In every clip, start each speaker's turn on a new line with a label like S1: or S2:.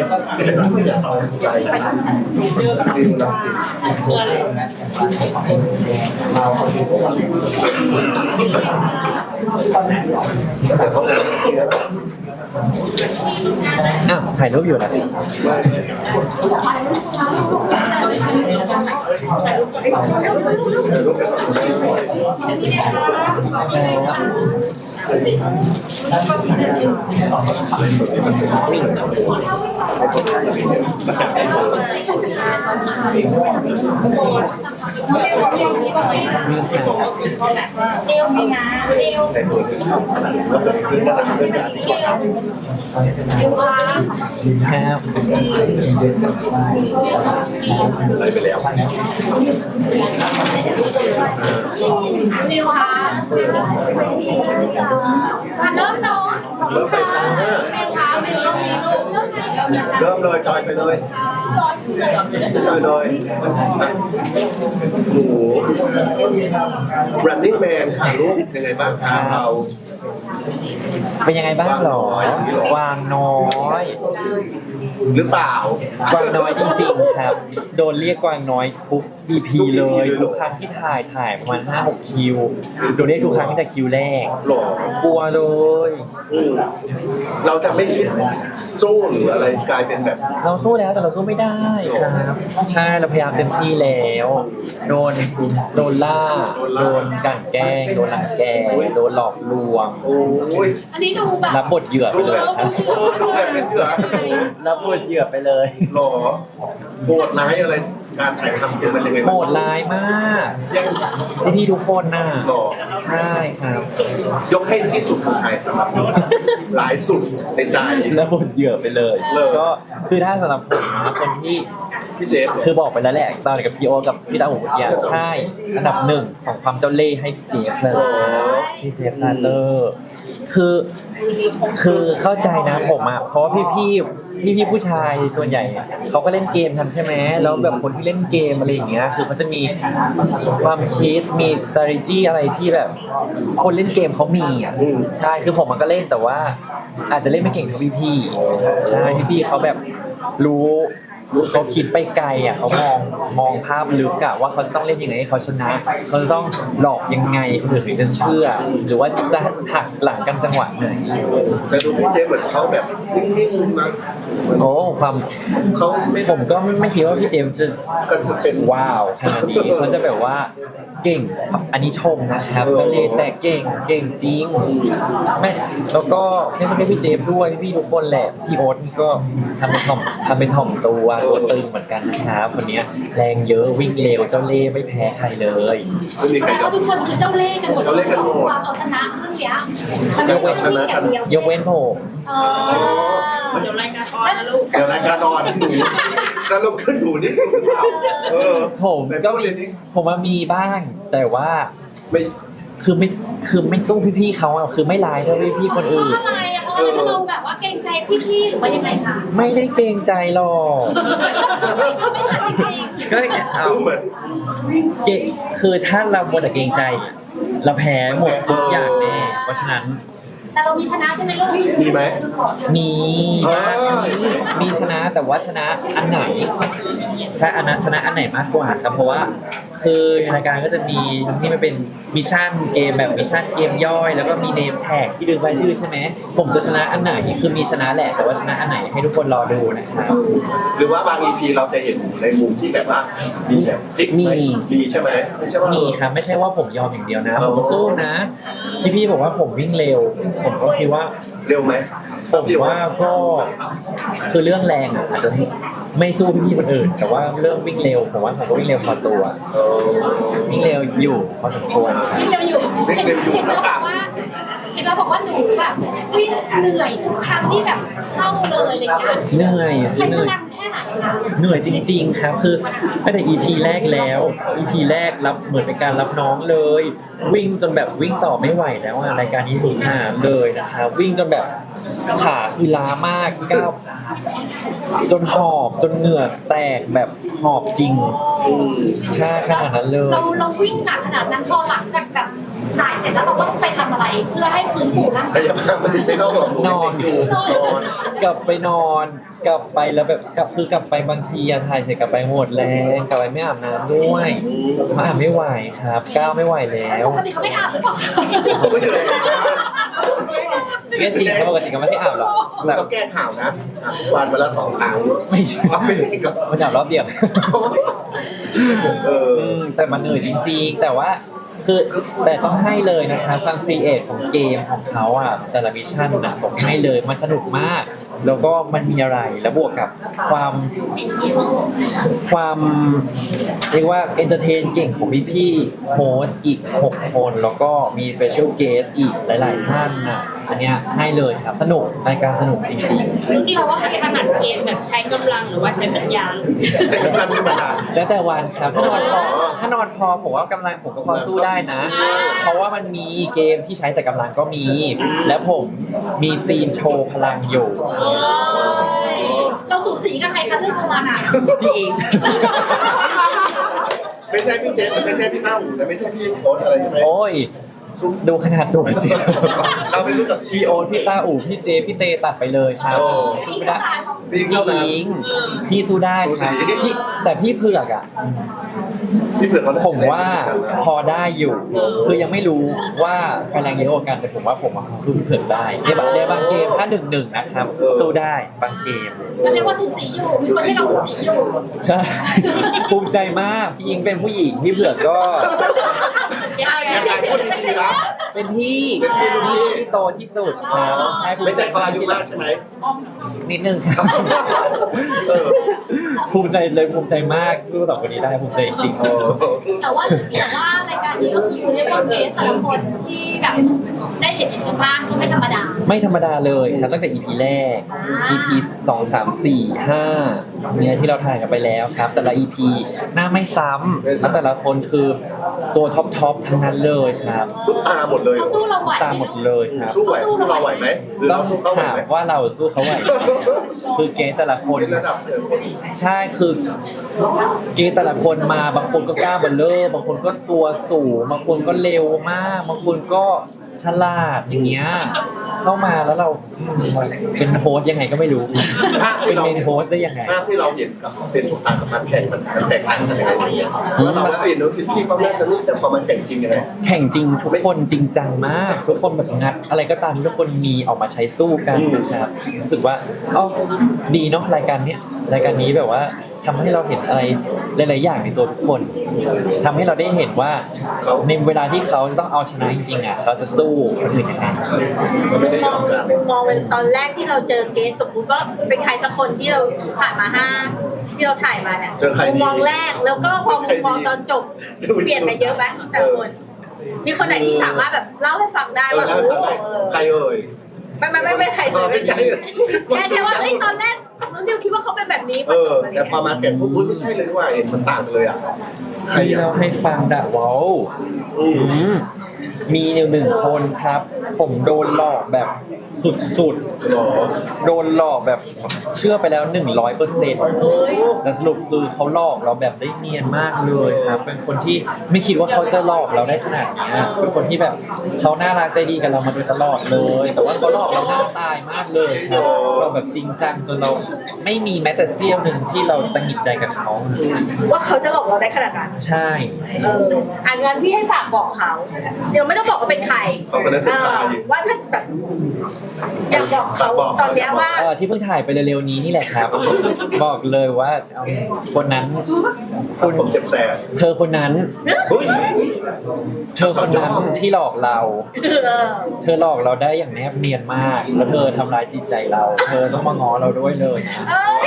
S1: ใจดีรังสิตแต่เขา
S2: ถ่ายรูปอยู่นะ
S3: เดียวมีนะเดียว
S1: คือสนามเป็นแบบนี้ก่อน
S2: ครับ
S1: เลยไปแล้ว
S3: เดียวค่ะเริ่มเนาะ
S1: เริ่มไปจ้าเริ่มเลยจอยไปเลยจอยเลยโอ้โห Running Man ค่ะลูกยังไงบ้างครับเรา
S2: เป็นยังไงบ้างหรอกวางน้อย
S1: หรือเปล่าก
S2: วางน้อยจริงๆครับโดนเรียกกวางน้อยทุก EP เลยทุกครั้งที่ถ่ายประมาณ 5-6 คิวโดนเรียกทุกครั้งตั้งแต่คิวแรก
S1: หรอก
S2: ลัวเลย
S1: เราจะไม่คิดสู้หรืออะไรกลายเป็นแบบ
S2: เราสู้แล้วแต่เราสู้ไม่ได้ครับใช่เราพยายามเต็มที่แล้วโดนล่าโดนกลั่นแกล้งโดนรังแกโดนหลอกลวง
S1: โอ้ย
S3: อันนี้ดูแบบ
S2: รับบทเหยื่อไปเลยครับ
S1: ดูแบบเป็นเหยื่อ
S2: รับบทเหยื่อไปเลย
S1: หรอโหดร้ายอะไรการถ่ายทำเป็นยังไง
S2: โหดร้ายมากพี่ทุกคนน่ะ
S1: หรอ
S2: ใช่ครับ
S1: ยกให้ที่สุดของไทยสำหรับหลายสุดในใจ
S2: แล้วบทเหยื่อไปเลยก็คือถ้าสำหรับผมนะคนที่
S1: พี่เจฟ
S2: คือบอกไปแล้วแหละตอนกับพี่โอกับพี่ตาหูเมื่อกี้ใช่อันดับหนึ่งของความเจ้าเล่ห์ให้พี่เจฟเลยพี่เจฟซาเลอร์คือเข้าใจนะผมอ่ะเพราะว่าพี่ผู้ชายส่วนใหญ่เขาก็เล่นเกมกันใช่ไหมแล้วแบบคนที่เล่นเกมอะไรอย่างเงี้ยคือเขาจะมีความคิดมี strategy อะไรที่แบบคนเล่นเกมเขามีอ่ะใช่คือผมมันก็เล่นแต่ว่าอาจจะเล่นไม่เก่งเท่าพี่ใช่พี่เขาแบบรู้เขาคิดไปไกลอ่ะเขามองภาพลึกอะว่าเขาจะต้องเล่นยังไงให้เขาชนะเขาจะต้องหลอกยังไงคนอื่นถึงจะเชื่อหรือว่าจะหักหลังกันจังหวะไหน
S1: แต่ดูพี่เจเหมือนเขาแบบนิ่งๆนะ
S2: โอ้ความ
S1: เขา
S2: ผมก็ไม่คิดว่าพี่เจมจะ
S1: เป็น
S2: ว้าวขนาดนี้เขาจะแบบว่าเก่งอันนี้ชมนะครับเจ้าเล่ห์แต่เก่งจริงไม่แล้วก็ไม่ใช่แค่พี่เจมด้วยพี่ทุกคนแหละพี่โอ๊ตนี่ก็ทำเป็นถ่อมตัวตึงเหมือนกันนะครับวันนี้แรงเยอะวิ่งเร็วเจ้าเล่ห์ไม่แพ้ใครเลย
S1: ไม่มีใคร
S3: ทุกคนคือเจ้าเล่ห์กันหมดความเอาชนะเรื่องนี้
S2: ยกเว้นผม
S3: เดี๋ยวรายการออนนะลูก
S1: เดี๋ยวรายการออนหนูจะลงขึ้นหนูที่สุดหรือเปล่า
S2: ผมก็ผมว่ามีบ้างแต่ว่า
S1: ไม่
S2: คือไม่สู้พี่ๆเขาอ่ะคือไม่ร้ายเท่าพี่ๆคนอื่น
S3: จะลงแบบว่าเกรงใจพี่ๆหรือว่ายังไงคะ
S2: ไม่ได้เกรงใจหรอกก็เอา
S1: เหมือน
S2: คือถ้าเราหมดแต่เกรงใจเราแพ้หมดทุกอย่างแน่เพราะฉะนั้น
S3: แต่เรามีชนะใช่ไหมลูก
S1: มีไหม
S2: มีชนะแต่ว่าชนะอันไหนใช่ชนะอันไหนมากกว่าครับเพราะว่าคือในรายการก็จะมีที่มันเป็นมิชชั่นเกมแบบมิชชั่นเกมย่อยแล้วก็มีเนมแท็กที่ดึงรายชื่อใช่ไหมผมจะชนะอันไหนคือมีชนะแหละแต่ว่าชนะอันไหนให้ทุกคนรอดูนะครับ
S1: หรือว่าบาง EP เราจะเห็นในมุมที่แบบว่ามีแบบมีใช่ไหมไม่ใช่ว่า
S2: มีครับไม่ใช่ว่าผมยอมอย่างเดียวนะผมสู้นะพี่บอกว่าผมวิ่งเร็วผมก็คิดว่า
S1: เร็วไหม
S2: ผมว่าก็คือเรื่องแรงอาจจะไม่สู้พี่คนอื่นแต่ว่าเรื่องวิ่งเร็วผมว่าผมก็วิ่งเร็วพอตัววิ่งเร็วอยู่พอสมควร
S3: วิ่งเร็วอยู่นะครับเห็นเราบอกว่าหนูแบบวิ่งเหนื่อยทุกครั้งที่แบบเข้าเลยอะไรอย่างเงี้ย
S2: เหนื่อย
S3: ใช้พลังแค่ไหนคะ
S2: เหนื่อยจริงๆครับคือตั้งแต่ EP แรกแล้ว EP แรกรับเหมือนเป็นการรับน้องเลยวิ่งจนแบบวิ่งต่อไม่ไหวแล้วรายการนี้ถูกหามเลยนะครับวิ่งจนแบบขาคือล้ามากก้าวจนหอบจนเหงื่อแตกแบบหอบจริงใช่ขนาดนั้นเลย
S3: เราวิ่งหนักขนาดนั้นพอหลังจากแบบถ่ายเสร็จแล้วเราต้องไปทำอะไรเพื่อให้ฟื้นฟูร่าง
S1: ข
S3: กาย
S1: ยับข้างมันถึงไม่เข้าหรอก
S2: นอน
S1: อยู่นอน
S2: กลับไปนอนกลับไปแล้วแบบคือกลับไปบางทีอะถ่ายเสร็จกลับไปหมดแรงกลับไปไม่อาบน้ำด้วยมาอาบไม่ไหวครับก้าวไม่ไหวแล้ว
S3: ปกติเขาไม่อาบหรือเปล่า
S1: ผมไม่อยู่เลย
S2: เนี่ยจริงครับปกติก็ไม่ได้อาบหรอกแบบ
S1: เราแก้ข่าวนะวันละ2 ครั้ง
S2: ไม่ใช่
S1: ไม่ใช่ก็
S2: มันอาบรอบเดียว
S1: เออ
S2: แต่มันเหนื่อยจริงๆ แต่ว่าคือแต่ต้องให้เลยนะครับทางครีเอทของเกมของเขาอ่ะแต่ละมิชชั่นนะผมให้เลยมันสนุกมาก แล้วก็มันมีอะไรแล้วบวกกับความเรียกว่าเอนเตอร์เทนเก่งของพี่ๆโฮสอีก6 คนแล้วก็มีสเปเชียลเกสอีกหลายๆท่านนะอันเนี้ยให้เลยครับสนุกรายการสนุกจริง
S4: นี่เราว่าถนัดเกมแบบใช้กำลังหรือว่าใช้ปัญญา
S1: แต่กำลังธรรมดา
S2: ๆ แล้วแต่วันครับถ้านอนพอผมว่ากำลังผมก็พอสู้ได้นะ เพราะว่ามันมีเกมที่ใช้แต่กำลังก็มี และผมมีซีนโชว์พลังอยู่
S3: เราสูสีกับใครคะเรื่องพลังอ่ะ
S2: พี่เอง
S1: ไม่ใช่พี่เจสไม่ใช่พี่เต้าหูและไม่ใช่พี่โอ๊ตอะไรใช่ไหม
S2: โอ้ย ดูขนาดตัวสิ
S1: เราไปรู้กับ
S2: พี่โอ๊ตพี่ตาอู่พี่เจพี่เตตัดไปเลยครับสู้ไม่ได้
S1: พี่
S2: พี่
S1: เท่านั้น
S2: อิงพี่สู้ได้ครับพี่แต่พี่เผือกอ่ะ
S1: พี่เผือกเขาได้
S2: ผมว่าพอได้อยู่ คือยังไม่รู้ว่าพลังเยอะกว่ากันแต่ผมว่าผมอะสู้พี่เผือกได้ในบางเกมถ้า1-1นะครับ สู้ได้บางเกม
S3: ก็เรียกว่าสูสีอยู่มีคนให้เราสูสีอยู่
S2: ใช่ ภูมิใจมากพี่อิงเป็นผู้หญิงพี่เผือกก็
S1: ยังไงพูดดีๆนะ
S2: เป็นพี่
S1: เป็นพี่รุ่นพี่
S2: ที่โตที่สุดครับใช่ภู
S1: ไม่
S2: ใจ
S1: ใช่เขาอายุมากใช่ไหม
S2: นิดนึงครับ
S1: เออ
S2: ภูมิใจเลยภูมิใจมากสู้2 คนนี้ได้ภูมิใจจริง
S1: เออ
S3: แต่ว่ารายการนี้ก็คือเรียกว่าเกสแต่ละคนที่แบบได้เห็นกันบ้างก็ไม่ธรรมดา
S2: ๆไม่ธรรมดาเลยครับตั้งแต่ EP แรก EP 2 3 4 5เนี่ยที่เราถ่ายกันไปแล้วครับ แต่ละ EP หน้าไม่ซ้ำแล้วแต่ละคนคือตัวท็อปทั้งนั้นเลยครับ
S1: ซุปตาหมดเลย
S3: เขาสู้เราไหว
S2: ตามหมดเลยครับ
S1: สู้เราไหวไหมหรือ
S2: ต้อ
S1: เรา
S2: ง
S1: สู้เขาไหว
S2: ถาม
S1: ไหม
S2: ว่าเราสู้เขาไหวไหมคือเกสแต่ละคน
S1: เป็นระดับ
S2: ใช่คือเกย์แต่ละคนมาบางคนก็กล้าเบลเลอร์บางคนก็ตัวสูงบางคนก็เร็วมากบางคนก็ฉลาดอย่างเงี้ยเข้ามาแล้วเราเป็นโฮสต์ยังไงก็ไม่รู้เป็นเมนโฮสต์ได้ยังไง
S1: ภาพที่เราเห็นกับเป็นสงครามกับมันแข่งมันแตกต่างกันยังไงแล้วเราก็เห็นดูพี่เขาเล่นกันนี่แต่พอมันแข่งจริงยังไง
S2: แข่งจริงทุกคนจริงจังมากทุกคนแบบงัดอะไรก็ตามที่ทุกคนมีออกมาใช้สู้กันนะครับรู้สึกว่าเอ้าดีเนาะรายการเนี้ยรายการนี้แบบว่าทำให้เราเห็นอะไรหลายๆอย่างในตัวทุกคนทำให้เราได้เห็นว่าในเวลาที่เขาจะต้องเอาชนะจริงๆอ่ะเขาจะสู้คนอื่นยังไง
S1: มันไม่ได้ยอมกัน
S4: มุมมองเป็นตอนแรกที่เราเจอเกสสมมติว่าเป็นใครสักคนที่เราผ่านมา5ที่เราถ่ายมาเนี่ยมุมมองแรกแล้วก็พอมุมมองตอนจบเปลี่ยนไปเยอะไหมแต่ละคนมีคนไหนที่สามารถแบบเล่าให้ฟังได้ว่า
S1: แล้ว
S4: โอ้โห
S1: ใครเอ่ย
S4: ไม่ใครเลย
S1: ไม่ใช่
S4: แค่ว่าเอ้ยตอนแรกน้องดิวคิดว่าเขาเป็นแบบนี้
S1: แต่พอมาแข่งปุ๊บไม่ใช่เลยว่าเห็นมันต่างกันเลยอ่ะใคร
S2: ที่
S1: อ่ะ
S2: เราให้ฟังดะว้าวมี1 คนครับ ผมโดนหลอกแบบสุด
S1: หรอ
S2: ๆโดนหลอกแบบเชื่อไปแล้ว 100%แต่สรุปคือเขาหลอกเราแบบได้เนียนมากเลยครับ เป็นคนที่ไม่คิดว่าเขาจะหลอกเราได้ขนาดนี้เป็นคนที่แบบเขาน่ารักใจดีกับเรามาโดยตลอดเลย แต่ว่าเขาหลอกเราหน้าตายมากเลยครับเราแบบจริงจังจนเราไม่มีแม้แต่เสี้ยวหนึ่งที่เราตังหงิดใจกับเขา
S4: ว่าเขาจะหลอกเราได้ขนาดนั้น
S2: ใช่
S4: งั้นพี่ให้ฝากบอกเขาเดี๋ยวไม่ต้องบอกว่าเป็นใครว่าถ้าแบบอยากบอกเขาตอนเนี้ยว่า
S2: ที่เพิ่งถ่ายไปเร็วๆนี้นี่แหละครับ บอกเลยว่าคนนั้น
S1: ผมเจ็บแสบ
S2: เธอคนนั้น
S1: เฮ้ย
S2: เธอคนนั้นที่หลอกเรา เธอหลอกเราได้อย่างแนบเนียนมาก แล้วเธอทำร้ายจิตใจเรา เธอต้องมาง้อเราด้วยเลยนะ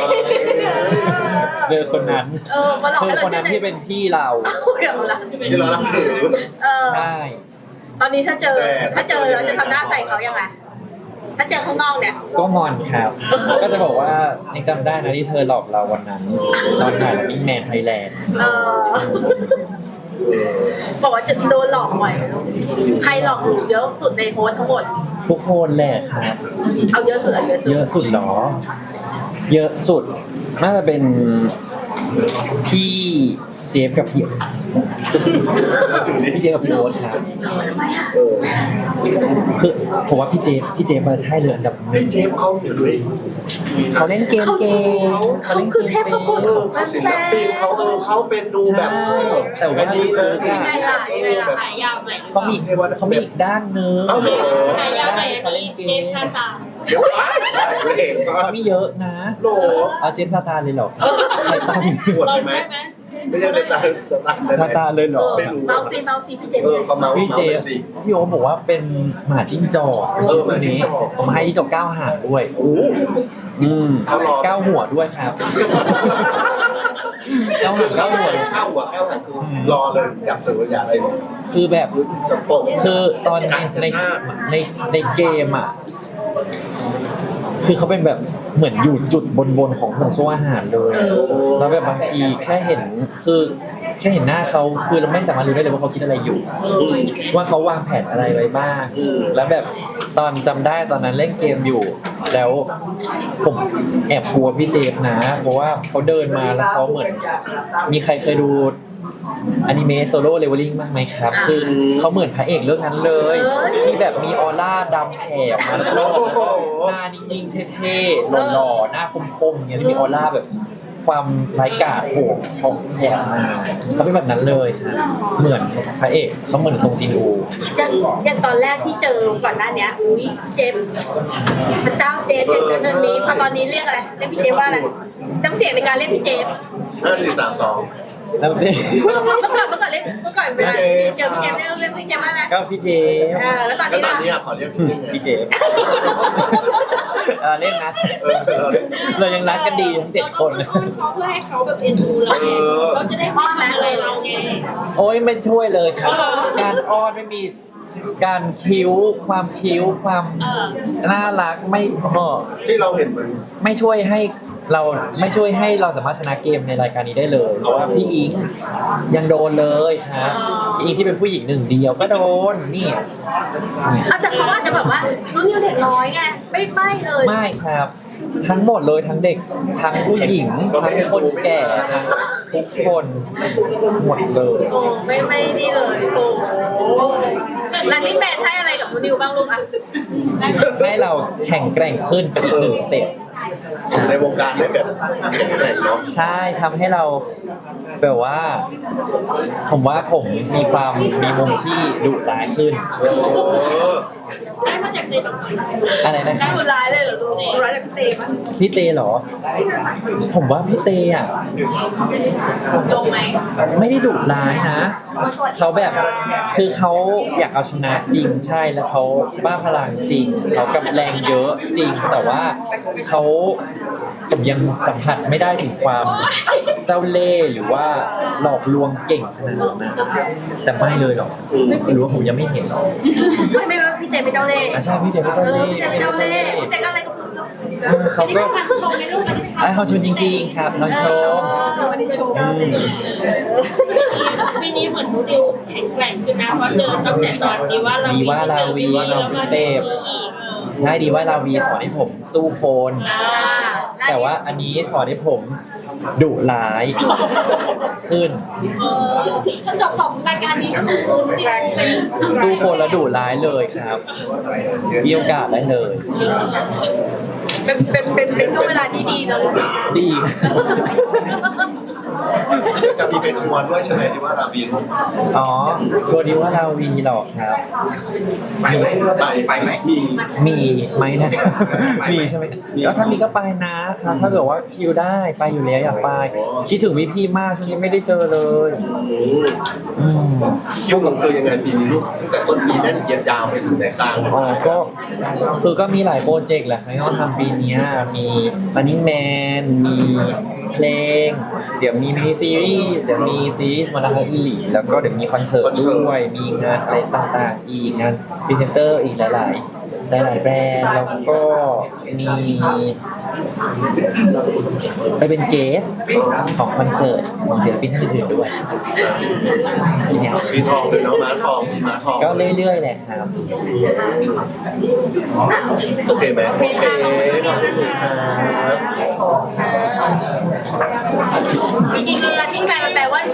S2: เธอคนนั้น
S4: มาหลอก
S2: เธอ
S4: ให้เรา
S2: คนนั้นที่เป็นพี่เรา
S4: อย่างละ
S1: ที่เรารับถือ
S2: ใช่
S4: ตอนนี้ถ้าเจอเราจะทำหน้าใส่เขายังไงถ้าเจอข้างนอกเนี่ย
S2: ก็งอนครับ ก็จะบอกว่ายังจำได้นะที่เธอหลอกเราวันนั้นตอนถ่ายมิงแมนไทยแลนด์
S4: เออบอกว่าจะโดนหลอกบ่อยใครหลอกหนูเยอะสุดในโพสต์ทั้งหมด
S2: ทุกคนแหละครับ
S4: เอาเยอะสุดเอาเยอะสุด
S2: เยอะสุดเหรอ เยอะสุดน่าจะเป็นพี่เจฟกับพี่เจฟกับพี่โอ๊ตครับ
S1: เออ
S2: คือผมว่าพี่เจฟมาให้เรืออันดับห
S1: ไอ้
S2: นึ่ง
S1: เจฟเขาอยู่ด้วย
S2: เขาเล่นเกมเก่ง
S4: เขาคือเทพบุตรของ
S1: เขาศิ
S4: แฟ
S1: ล
S4: น
S1: ปินเขาเป็นดูแบบ
S2: ใช่แต่ว่า
S1: ดีเลย
S4: ๆไงล่ะยังไงล่ะ
S3: ขายยาใหม่
S2: เขามีอีกด้านนึง
S1: เอ้าเหรอ
S3: ขายยาใหม่
S2: เขาเล่นเก
S3: เด
S2: ม
S3: ฟชาตา
S1: เดี๋ยวเห็น
S2: เขามีเยอะนะ
S1: โหล
S2: เอาเจฟซาตานเลยเหรอใครตั้ง
S1: ปวด
S3: เรา
S1: ไหม
S3: ได้ไหม
S1: ไม่ใช่สตาร์
S2: ซาตานเลยเหรอ
S1: ไม่รู้
S4: เมาซีพี่เจม
S1: เขาเมา
S2: พี่เจ
S1: เมา
S2: ฟ
S1: สิ
S2: พี่โอ๊ตบอกว่าเป็นหมาจิ้งจอก
S1: หมาจิ้งจอก
S2: ผมให้จิ้งจอก9 หางด้วย
S1: โอ้ เขารอ
S2: 9 หัวด้วยครับ9 หาง
S1: เข้า
S2: 9
S1: หั
S2: หั
S1: ว
S2: ว
S1: เข้าหัวคือรอเลยอยากเสืออยากอะไร
S2: คือแบบ
S1: จะปก
S2: คือตอนในเกมอ่ะ คือเขาเป็นแบบเหมือนอยู่จุดบนของห่วงโซ่อาหารเลย แล้วแบบบางทีแค่เห็นหน้าเขาคือเราไม่สามารถรู้ได้เลยว่าเขาคิดอะไรอยู่ ว่าเขาวางแผนอะไรไว้บ้าง แล้วแบบตอนจำได้ตอนนั้นเล่นเกมอยู่ แล้วผมแอบกลัวพี่เจฟนะ เพราะว่าเขาเดินมาแล้วเขาเหมือน มีใครเคยดูอนิเมะโซโล่เลเวลลิ่งบ้างไหมครับ คือเขาเหมือนพระเอกเรื่องนั้นเลย ที่แบบมีออร่าดำแผ่มาแล้วก็หน้านิ่งๆเท่ๆหล่อๆหน้าคมๆอย่างเงี้ยที่มีออร่าแบบความไร้กาจโผล่ของแผ่มาเขาเป็นแบบนั้นเลยครับเหมือนพระเอกเขาเหมือนทรงจินอู
S4: อย่างตอนแรกที่เจอก่อนหน้านี้อุ้ยพี่เจมพระเจ้าเจมอย่างนั้นอันนี้พอตอนนี้เรียกอะไรเรียกพี่เจมว่าอะไรน้ำเสียงในการเรียกพี่เจม
S1: 5 4 3 2
S2: แล้วสิ
S4: เมื่อก่อนเวลาเจอพี่เจมเรียกพี่เจมว่าอะไร
S2: ก็พี่เจฟ
S4: แล้วตอน
S1: แล้ว
S4: นี้
S1: ตอน
S4: ล่ะ
S1: นี้ขอเรียกพี่ยังไง
S2: พี่เจฟเล่นนะ
S1: เราเรียก
S2: เรายังรักกันดีทั้ง7 คน
S3: เขาเพื่อให้เขาแบบเอ็นดูเราไงเขาจะได้ป้อนอะไรเราไง
S2: โอ้ยไม่ช่วยเลยครับ การอ้อนไม่มีการความคิ้วความน่ารักไม่
S1: ที่เราเห็นมัน
S2: ไม่ช่วยให้เราสามารถชนะเกมในรายการนี้ได้เลยเพราะว่าพี่อิงยังโดนเลยครับพี่อิงที่เป็นผู้หญิงหนึ่งเดียวก็โดนนี่
S4: แต่เขาอาจจะแบบว่ารุ่นนิวเด็กน้อยไงไม่เลย
S2: ไม่ครับ ทั้งหมดเลยทั้งเด็กทั้งผู้หญิงทั้งคนแก่ทั้งทุกคนหมดเลย
S4: โอ้ไม่นี่เลยโถแล้วนี่แมนให้อะไรกับรุ่นนิวบ้างลูกอ่ะ
S2: ให้เราแข่งแกร่งขึ้นเป็นอีก1 สเต็ป
S1: อยู่ในวงการได้แบบแข็งแกร่งเนาะ
S2: ใช่ทำให้เราแบบว่า ผมว่าผมมีมุมที่ดุร้ายขึ้น
S3: ได้มาจากในสังคม
S2: อะไรนะครับ
S4: ดูร้ายเลยเหรอลูกดูร้ายจากพี่เตมั้ย
S2: พี่เตเหรอ ผมว่าพี่เตอ่ะ
S4: จงไหม
S2: ไม่ได้ดุร้ายนะเขาแบบคือเขาอยากเอาชนะจริงใช่แล้วเขาบ้าพลังจริงเขากำแรงเยอะจริงแต่ว่าผมยังสัมผัสไม่ได้ถึงความเจ้าเล่ห์หรือว่าหลอกลวงเก่งขนาดนั้นนะแต่ไม่เลยหรอกไม่รู้ว่าผมยังไม่เห็นหรอก
S4: ไม่พี่เตเป็นเจ้าเล่ห์
S2: ใช่พี่เตไม่เจ้าเล่ห์
S4: พี่เตเป็นเจ้าเล่ห์พี่เตก็อะไรกับ
S2: เขาก็
S3: ฟังชมในรูปมันเป็น
S2: เขาชมจริงๆครับเขาชม
S4: ไม่ได้โชว์
S3: ปีนี้เหมือนนูดิวแข็งแกร่งขึ้นนะเพราะเดินตั้งแต่ตอนนี้ว่าเรา
S2: ดีว่าลาวีสเตปได้ดีว่าลาวีสอนให้ผมสู้คน แต่ว่าอันนี้สอนให้ผมดุร้ายขึ้น
S3: ก็จบ2 รายการนี้คือเป็น
S2: สู้คนแล้วดุร้ายเลยครับมีโอกาสได้เลย
S4: เป็นช่วงเวลาที่ดีนะลูก
S2: ดี
S1: จะมีเป็นทัวร์ด้วยใช่ไหมที่ว่าราบีน
S2: อ๋อตัวดีว่าลาวีหรอกครับ
S1: ไปไหมไปไหม
S2: มีไหมนะครับมีใช่ไหมแล้วถ้ามีก็ไปนะครับถ้าเกิดว่าคิวได้ไปอยู่แล้วอยากไปคิดถึงพี่ๆมากที่ไม่ได้เจอเลย
S1: ช่วงกลางคืนยังไงปีนี้ลูกตั้งแต่ต้นปีแน่นเยียดยาวไปถึงไหนกลาง
S2: อ๋อก็มีหลายโปรเจกต์แหละที่เขาทำปีนี้มีRunning Man มีเพลงเดี๋ยวมีมินิซีรีส์เดี๋ยวมีซีรีส์มาราธอนอีลีแล้วก็เดี๋ยวมีคอนเสิร์ตด้วยมีงานอะไรต่างๆอีกงานพรีเซนเตอร์อีกหลายหลายๆแบรนด์แล้วก็มีไปเป็นเกสของคอนเสิร์ตของศิลปินท่านอื่นๆด้วยเนี่ย
S1: มีทองเลยเนาะม้าทองมีม้าทอง
S2: ก็เรื่อยๆแหละครับ
S1: โอเคไหมโอเคขอบคุณครับ
S4: จริงๆเรือทิ้งไปมันแปลว่า